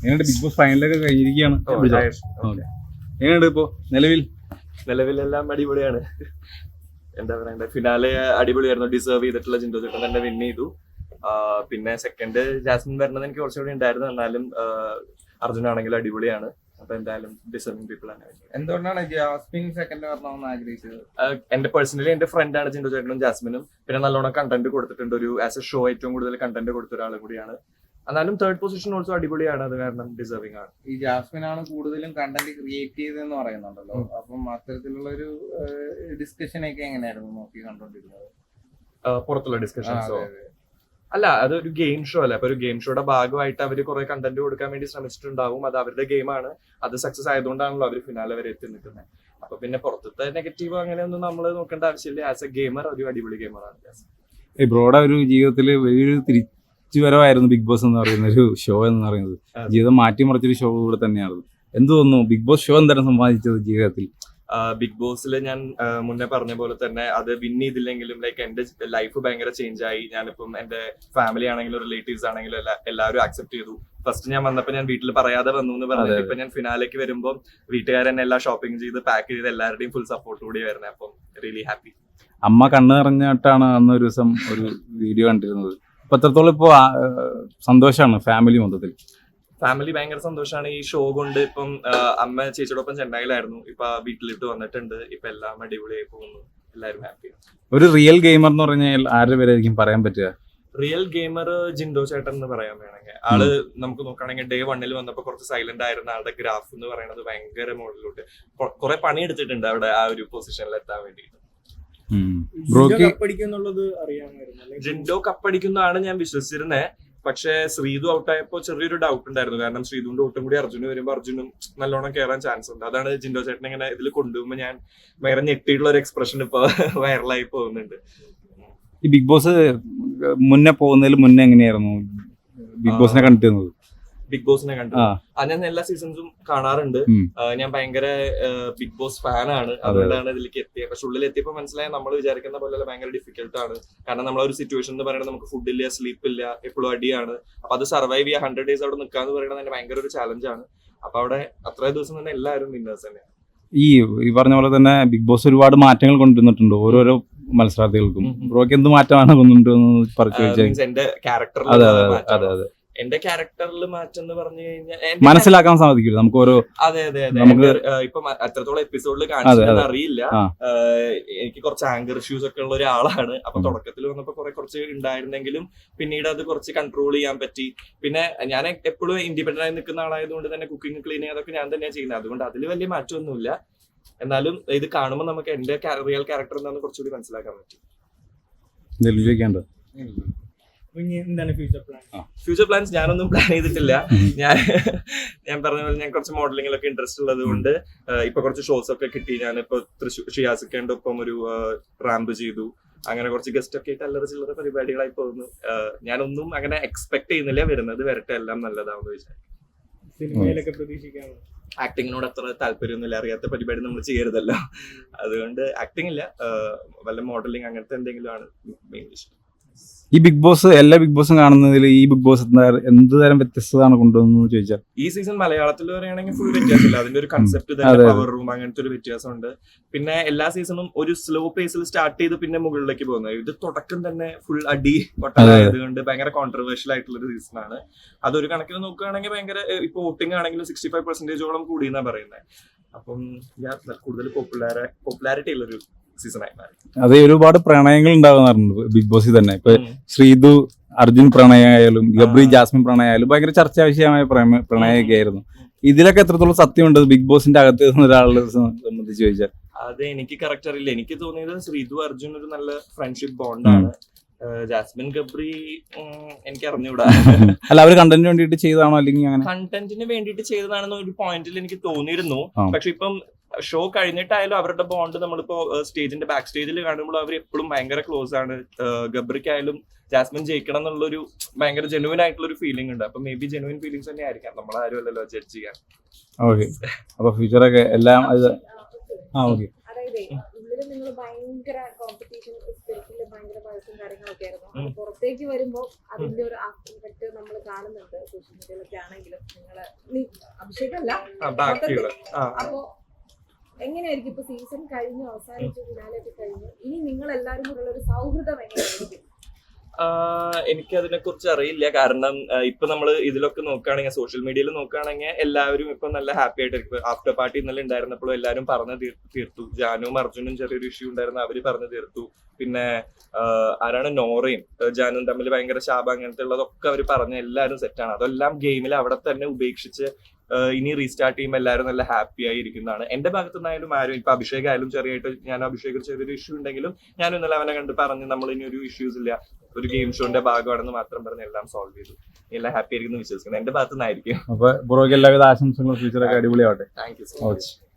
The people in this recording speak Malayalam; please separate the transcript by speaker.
Speaker 1: എങ്ങനെയുണ്ട് ബിഗ് ബോസ് ഫൈനലൊക്കെ കഴിഞ്ഞിരിക്കുകയാണ്? എങ്ങനെയുണ്ട് ഇപ്പോ
Speaker 2: നിലവിലെല്ലാം അടിപൊളിയാണ്. എന്താ പറയണ്ടേ, ഫിനാലെ അടിപൊളിയായിരുന്നു. ഡിസേർവ് ചെയ്തിട്ടുള്ള ജിൻഡോ ചേട്ടൻ തന്നെ വിൻ ചെയ്തു. പിന്നെ സെക്കൻഡ് ജാസ്മിൻ വരണത് എനിക്ക് കുറച്ചുകൂടി ഉണ്ടായിരുന്നു. എന്നാലും അർജുൻ ആണെങ്കിലും അടിപൊളിയാണ്. അപ്പൊ എന്തായാലും ഡിസേർവിംഗ് പീപ്പിൾ ആണ്.
Speaker 1: എന്തുകൊണ്ടാണ് ജാസ്മിൻ സെക്കൻഡ് വരണമെന്ന് ആഗ്രഹിച്ചത്?
Speaker 2: എന്റെ പേഴ്സണലി എന്റെ ഫ്രണ്ടാണ് ജിൻഡോ ചേട്ടനും ജാസ്മിനും. പിന്നെ നല്ലോണം കണ്ടന്റ് കൊടുത്തിട്ടുണ്ട്. ഒരു ആസ് എ ഷോ ഏറ്റവും കൂടുതൽ കണ്ടന്റ് കൊടുത്ത ഒരാളും കൂടിയാണ്. എന്നാലും തേർഡ് പൊസിഷൻ ഓൾസോ അടിപൊളിയാണ്. അത് കാരണം ഡിസേർവിംഗ് ആണ്.
Speaker 1: ഈ ജാസ്മിൻ ആണ് കൂടുതലും കണ്ടന്റ് ക്രിയേറ്റ് ചെയ്തതെന്ന് പറയുന്നുണ്ടല്ലോ. അപ്പം അത്തരത്തിലുള്ള ഒരു ഡിസ്കഷൻ ഒക്കെ എങ്ങനെയായിരുന്നു നോക്കി കണ്ടോണ്ടിരുന്നത്?
Speaker 2: പുറത്തുള്ള ഡിസ്കഷൻസോ? അല്ല, അതൊരു ഗെയിം ഷോ അല്ലേ. അപ്പൊ ഒരു ഗെയിം ഷോയുടെ ഭാഗമായിട്ട് അവർ കുറെ കണ്ടന്റ് കൊടുക്കാൻ വേണ്ടി ശ്രമിച്ചിട്ടുണ്ടാവും. അത് അവരുടെ ഗെയിമാണ്. അത് സക്സസ് ആയതുകൊണ്ടാണല്ലോ അവർ ഫിനാലെ വരെ എത്തി നിൽക്കുന്നത്. അപ്പൊ പിന്നെ പുറത്തത്തെ നെഗറ്റീവ് അങ്ങനെയൊന്നും നമ്മൾ നോക്കേണ്ട ആവശ്യമില്ല. ആസ് എ ഗെയിമർ ഒരു അടിപൊളി ഗെയിമറാണ്.
Speaker 1: ബ്രോയുടെ ഒരു ജീവിതത്തിൽ വലിയൊരു തിരിച്ചുവരവായിരുന്നു ബിഗ് ബോസ് എന്ന് പറയുന്ന ഒരു ഷോ എന്ന് പറയുന്നത്. ജീവിതം മാറ്റിമറിച്ചൊരു ഷോ കൂടെ തന്നെയാണ്. എന്ത് തോന്നുന്നു ബിഗ് ബോസ് ഷോ എന്താണ് സമ്പാദിച്ചത് ജീവിതത്തിൽ?
Speaker 2: ബിഗ് ബോസിൽ ഞാൻ മുന്നേ പറഞ്ഞ പോലെ തന്നെ അത് വിൻ ചെയ്തില്ലെങ്കിലും ലൈക്ക് എന്റെ ലൈഫ് ഭയങ്കര ചേഞ്ച് ആയി. ഞാനിപ്പം എന്റെ ഫാമിലി ആണെങ്കിലും റിലേറ്റീവ്സ് ആണെങ്കിലും എല്ലാവരും ആക്സെപ്റ്റ് ചെയ്തു. ഫസ്റ്റ് ഞാൻ വന്നപ്പോൾ ഞാൻ വീട്ടിൽ പറയാതെ വന്നു എന്ന് പറഞ്ഞിട്ട് ഇപ്പൊ ഞാൻ ഫിനാലേക്ക് വരുമ്പോൾ വീട്ടുകാരൻ എല്ലാം ഷോപ്പിംഗ് ചെയ്ത് പാക്ക് ചെയ്ത് എല്ലാവരുടെയും ഫുൾ സപ്പോർട്ട് കൂടി വരുന്നത്. അപ്പം റിയലി ഹാപ്പി.
Speaker 1: അമ്മ കണ്ണ് നിറഞ്ഞിട്ടാണ് അന്ന് ഒരു ദിവസം ഒരു വീഡിയോ കണ്ടിരുന്നത്. ഇപ്പൊ എത്രത്തോളം ഇപ്പോ സന്തോഷമാണ് ഫാമിലി മൊത്തത്തിൽ?
Speaker 2: ഫാമിലി ഭയങ്കര സന്തോഷമാണ് ഈ ഷോ കൊണ്ട്. ഇപ്പം അമ്മ ചേച്ചിയോടൊപ്പം ചെന്നൈയിലായിരുന്നു. ഇപ്പൊ വീട്ടിലിട്ട് വന്നിട്ടുണ്ട്. ഇപ്പൊ എല്ലാം അടിപൊളിയായി പോകുന്നു. എല്ലാവരും ഹാപ്പിയാണ്.
Speaker 1: ഒരു റിയൽ ഗെയിമർ എന്ന് പറഞ്ഞാൽ ആരുടെ പേരായിരിക്കും പറയാൻ പറ്റുക?
Speaker 2: റിയൽ ഗെയിമർ ജിൻഡോ ചേട്ടൻ എന്ന് പറയാൻ വേണമെങ്കിൽ. ആള് നമുക്ക് നോക്കുകയാണെങ്കിൽ ഡേ 1 വന്നപ്പോ കുറച്ച് സൈലന്റ് ആയിരുന്ന ആളുടെ ഗ്രാഫ് എന്ന് പറയുന്നത് ഭയങ്കര മുകളിലോട്ട് കുറെ പണി എടുത്തിട്ടുണ്ട് അവിടെ ആ ഒരു പൊസിഷനിൽ എത്താൻ വേണ്ടിയിട്ട്. ജിൻഡോ കപ്പടിക്കുന്നതാണ് ഞാൻ വിശ്വസിച്ചിരുന്നത്. പക്ഷെ ശ്രീതു ഔട്ടായപ്പോ ചെറിയൊരു ഡൗട്ട് ഉണ്ടായിരുന്നു. കാരണം ശ്രീതുവിന്റെ ഒട്ടും കൂടി അർജുന് വരുമ്പോ അർജുനും നല്ലോണം കയറാൻ ചാൻസ് ഉണ്ട്. അതാണ് ജിൻഡോ ചേട്ടൻ ഇങ്ങനെ ഇതിൽ കൊണ്ടുപോകുമ്പോ ഞാൻ വേറെ ഞെട്ടിയിട്ടുള്ള ഒരു എക്സ്പ്രഷൻ ഇപ്പൊ വൈറലായി പോകുന്നുണ്ട്.
Speaker 1: ഈ ബിഗ് ബോസ് മുന്നേ പോകുന്നതിൽ മുന്നേ എങ്ങനെയായിരുന്നു ബിഗ് ബോസിനെ കണ്ടിരുന്നത്?
Speaker 2: ബിഗ് ബോസിനെ കണ്ടു. ഞാൻ എല്ലാ സീസൺസും കാണാറുണ്ട്. ഞാൻ ഭയങ്കര ബിഗ് ബോസ് ഫാനാണ്. അതുകൊണ്ടാണ് ഇതിലേക്ക് എത്തിയത്. പക്ഷെ ഉള്ളിൽ എത്തിയപ്പോ മനസ്സിലായ നമ്മൾ വിചാരിക്കുന്ന പോലെ ഭയങ്കര ഡിഫിക്കൽട്ട് ആണ്. കാരണം നമ്മളൊരു സിറ്റുവേഷൻ എന്ന് പറയുന്നത് നമുക്ക് ഫുഡ് ഇല്ല, സ്ലീപ്പ് ഇല്ല, എപ്പോഴും അടിയാണ്. അപ്പൊ അത് സർവൈവ് ചെയ്യാൻ 100 days അവിടെ നിൽക്കാന്ന് പറയുന്നത് തന്നെ ഭയങ്കര ഒരു ചാലഞ്ചാണ്. അപ്പൊ അവിടെ അത്രയും ദിവസം തന്നെ എല്ലാവരും വിന്നേഴ്സ് തന്നെയാണ്. ഈ പറഞ്ഞ പോലെ തന്നെ ബിഗ് ബോസ് ഒരുപാട് മാറ്റങ്ങൾ കൊണ്ടുവന്നിട്ടുണ്ട് ഓരോരോ മത്സരാർത്ഥികൾക്കും. ബ്രോക്ക് എന്ത് മാറ്റമാണ് കൊണ്ടുവന്നു പറഞ്ഞു? എന്റെ ക്യാരക്ടർ എന്റെ ക്യാരക്ടറിൽ മാറ്റം എന്ന് പറഞ്ഞു കഴിഞ്ഞാൽ
Speaker 1: മനസ്സിലാക്കാൻ സാധിക്കില്ല നമുക്ക് ഓരോ.
Speaker 2: അതെ നമുക്ക് ഇപ്പൊ എത്രത്തോളം എപ്പിസോഡിൽ കാണിച്ചതെന്ന് അറിയില്ല. എനിക്ക് കുറച്ച് ആങ്കർ ഇഷ്യൂസ് ഒക്കെ ഉള്ള ഒരാളാണ്. അപ്പൊ തുടക്കത്തിൽ വന്നപ്പോ കുറച്ച് ഉണ്ടായിരുന്നെങ്കിലും പിന്നീട് അത് കുറച്ച് കൺട്രോൾ ചെയ്യാൻ പറ്റി. പിന്നെ ഞാൻ എപ്പോഴും ഇൻഡിപെൻഡന്റ് ആയി നിൽക്കുന്ന ആളായതുകൊണ്ട് തന്നെ കുക്കിംഗ് ക്ലീനിങ് അതൊക്കെ ഞാൻ തന്നെയാണ് ചെയ്യുന്നത്. അതുകൊണ്ട് അതിൽ വലിയ മാറ്റമൊന്നുമില്ല. എന്നാലും ഇത് കാണുമ്പോൾ നമുക്ക് എന്റെ റിയൽ ക്യാരക്ടർ എന്താണെന്ന് കുറച്ചുകൂടി മനസ്സിലാക്കാൻ പറ്റി. ഫ്യൂച്ചർ പ്ലാൻസ് ഞാനൊന്നും പ്ലാൻ ചെയ്തിട്ടില്ല. ഞാൻ പറഞ്ഞ പോലെ ഞാൻ കുറച്ച് മോഡലിംഗിലൊക്കെ ഇൻട്രസ്റ്റ് ഉള്ളത് കൊണ്ട് ഇപ്പൊ കുറച്ച് ഷോസ് ഒക്കെ കിട്ടി. ഞാനിപ്പോ തൃശ്ശൂർ ഷിയാസിക്കേണ്ട ഒപ്പം ഒരു റാമ്പ് ചെയ്തു. അങ്ങനെ കുറച്ച് ഗസ്റ്റ് ഒക്കെ ആയിട്ട് അല്ലറ ചില്ലറ പരിപാടികളായി പോകുന്നു. ഞാനൊന്നും അങ്ങനെ എക്സ്പെക്ട് ചെയ്യുന്നില്ല. വരുന്നത് വരട്ടെ, എല്ലാം നല്ലതാണെന്ന് വിചാരിക്കും. ആക്ടിങ്ങിനോട് അത്ര താല്പര്യമൊന്നുമില്ല. അറിയാത്ത പരിപാടി നമ്മൾ ചെയ്യരുതല്ലോ. അതുകൊണ്ട് ആക്ടിങ് ഇല്ല, വല്ല മോഡലിംഗ് അങ്ങനത്തെ എന്തെങ്കിലും ആണ് മെയിൻ ഇഷ്ടം.
Speaker 1: ഈ ബിഗ് ബോസ് എല്ലാ ബിഗ് ബോസും കാണുന്നതിൽ ഈ ബിഗ് ബോസ് എന്ത് തരം വ്യത്യസ്തതാണ് കൊണ്ടുവന്നു ചോദിച്ചാൽ?
Speaker 2: ഈ സീസൺ മലയാളത്തിൽ പറയുകയാണെങ്കിൽ ഫുൾ വ്യത്യാസമില്ല. അതിന്റെ ഒരു കൺസെപ്റ്റ് പവർ റൂം അങ്ങനത്തെ ഒരു വ്യത്യാസമുണ്ട്. പിന്നെ എല്ലാ സീസണും ഒരു സ്ലോ പേസിൽ സ്റ്റാർട്ട് ചെയ്ത് പിന്നെ മുകളിലേക്ക് പോകുന്നത്. ഇത് തുടക്കം തന്നെ ഫുൾ അടി പൊട്ടലായതുകൊണ്ട് ഭയങ്കര കോൺട്രവേഴ്ഷ്യൽ ആയിട്ടുള്ള ഒരു സീസണാണ്. അതൊരു കണക്കിന് നോക്കുകയാണെങ്കിൽ ഭയങ്കര ഇപ്പൊ വോട്ടിംഗ് ആണെങ്കിലും 65% കൂടുതൽ പറയുന്നത്. അപ്പം കൂടുതൽ പോപ്പുലാരിറ്റി ഉള്ളൊരു സീസണായി മാറി.
Speaker 1: അതെ, ഒരുപാട് പ്രണയങ്ങൾ ഉണ്ടാകുന്നുണ്ട് ബിഗ് ബോസിൽ തന്നെ. ഇപ്പൊ ശ്രീതു അർജുൻ പ്രണയമായാലും ഗബ്രി ജാസ്മിൻ പ്രണയമായാലും ഭയങ്കര ചർച്ചാ വിഷയമായ പ്രണയമൊക്കെ ആയിരുന്നു. ഇതിലൊക്കെ എത്രത്തോളം സത്യമുണ്ട് ബിഗ് ബോസിന്റെ അകത്ത് ഒരാളെ സംബന്ധിച്ച് ചോദിച്ചാൽ?
Speaker 2: അത് എനിക്ക് കറക്റ്റ് അറിയില്ല. എനിക്ക് തോന്നിയത് ശ്രീതു അർജുൻ ഒരു നല്ല ഫ്രണ്ട്ഷിപ്പ് ബോണ്ടാണ്. ജാസ്മിൻ ഗബ്രി എനിക്ക് അറിഞ്ഞൂടാ.
Speaker 1: അല്ല, അവര് കണ്ടന്റിന് വേണ്ടിട്ട് ചെയ്തതാണോ അല്ലെങ്കിൽ അങ്ങനെ?
Speaker 2: കണ്ടന്റിന് വേണ്ടിട്ട് ചെയ്തതാണെന്ന് ഒരു പോയിന്റിൽ എനിക്ക് തോന്നിയിരുന്നു. പക്ഷെ ഇപ്പം ഷോ കഴിഞ്ഞിട്ടായാലും അവരുടെ ബോണ്ട് നമ്മളിപ്പോ സ്റ്റേജിന്റെ ബാക്ക് സ്റ്റേജിൽ കാണുമ്പോൾ അവർ എപ്പോഴും ഭയങ്കര ക്ലോസ് ആണ്. ഗബ്രിക്കായാലും ജാസ്മിൻ ജയിക്കണം എന്നുള്ളൊരു ഭയങ്കര ജെനുവിൻ ആയിട്ടുള്ള ഒരു ഫീലിംഗ് ഉണ്ട്. അപ്പൊ മേ ബി ജെനുവിൻ ഫീലിംഗ്സ് തന്നെ ആയിരിക്കാം. നമ്മളാരും അല്ലല്ലോ ജഡ്ജ് ചെയ്യാൻ.
Speaker 1: ഓക്കെ, അപ്പൊ ഫ്യൂച്ചറൊക്കെ എല്ലാം
Speaker 3: ആദ്യം നിങ്ങൾ ഭയങ്കര കോമ്പറ്റീഷൻ സ്പിരിറ്റില് ഭയങ്കര വഴക്കും കാര്യങ്ങളൊക്കെ ആയിരുന്നു. അത് പുറത്തേക്ക് വരുമ്പോൾ അതിന്റെ ഒരു ആഫ്റ്റർ ഇഫക്ട് നമ്മൾ കാണുന്നുണ്ട് സോഷ്യൽ മീഡിയയിലൊക്കെ ആണെങ്കിലും. നിങ്ങള് അഭിഷേകമല്ല അപ്പോ എങ്ങനെയായിരിക്കും ഇപ്പൊ സീസൺ കഴിഞ്ഞു അവസാനിച്ചു ഫിനാലൊക്കെ കഴിഞ്ഞു, ഇനി നിങ്ങൾ എല്ലാവരും കൂടെ ഒരു സൗഹൃദം എങ്ങനെയായിരിക്കും?
Speaker 2: എനിക്ക് അതിനെ കുറിച്ച് അറിയില്ല. കാരണം ഇപ്പൊ നമ്മൾ ഇതിലൊക്കെ നോക്കുകയാണെങ്കിൽ, സോഷ്യൽ മീഡിയയിൽ നോക്കുകയാണെങ്കിൽ എല്ലാവരും ഇപ്പൊ നല്ല ഹാപ്പി ആയിട്ടിരിക്കും. ആഫ്റ്റർ പാർട്ടി ഇന്നലെ ഉണ്ടായിരുന്നപ്പോഴും എല്ലാവരും പറഞ്ഞു തീർത്തു. ജാനുവും അർജുനും ചെറിയൊരു ഇഷ്യൂ ഉണ്ടായിരുന്നു, അവര് പറഞ്ഞു തീർത്തു. പിന്നെ ആരാണ് നോറയും ജാനുവും തമ്മിൽ ഭയങ്കര ശാപം അങ്ങനത്തെ ഉള്ളതൊക്കെ അവർ പറഞ്ഞ എല്ലാവരും സെറ്റാണ്. അതെല്ലാം ഗെയിമിൽ അവിടെ തന്നെ ഉപേക്ഷിച്ച് ഇനി റീസ്റ്റാർട്ട് ചെയ്യുമ്പോൾ എല്ലാവരും നല്ല ഹാപ്പി ആയി ഇരിക്കുന്നതാണ്. എന്റെ ഭാഗത്തുനിന്നായാലും ആരും ഇപ്പൊ അഭിഷേക് ആയാലും ചെറിയായിട്ട് ഞാൻ അഭിഷേക് ചെറിയൊരു ഇഷ്യൂ ഉണ്ടെങ്കിലും ഞാനും ഇന്നലെ അവനെ കണ്ട് പറഞ്ഞ് നമ്മൾ ഇനി ഒരു ഇഷ്യൂസ് ഇല്ല, ഒരു ഗെയിം ഷോന്റെ ഭാഗമാണെന്ന് മാത്രം പറഞ്ഞ് എല്ലാം സോൾവ് ചെയ്തു. എല്ലാം ഹാപ്പി ആയിരിക്കുന്നു വിശ്വസിക്കുന്നത് എന്റെ ഭാഗത്തുനിന്നായിരിക്കും.
Speaker 1: അപ്പൊ ബ്രോയ്ക്ക് എല്ലാവിധ ആശംസകളും ഫ്യൂച്ചറൊക്കെ അടിപൊളിയാവട്ടെ.
Speaker 2: Thank you so much.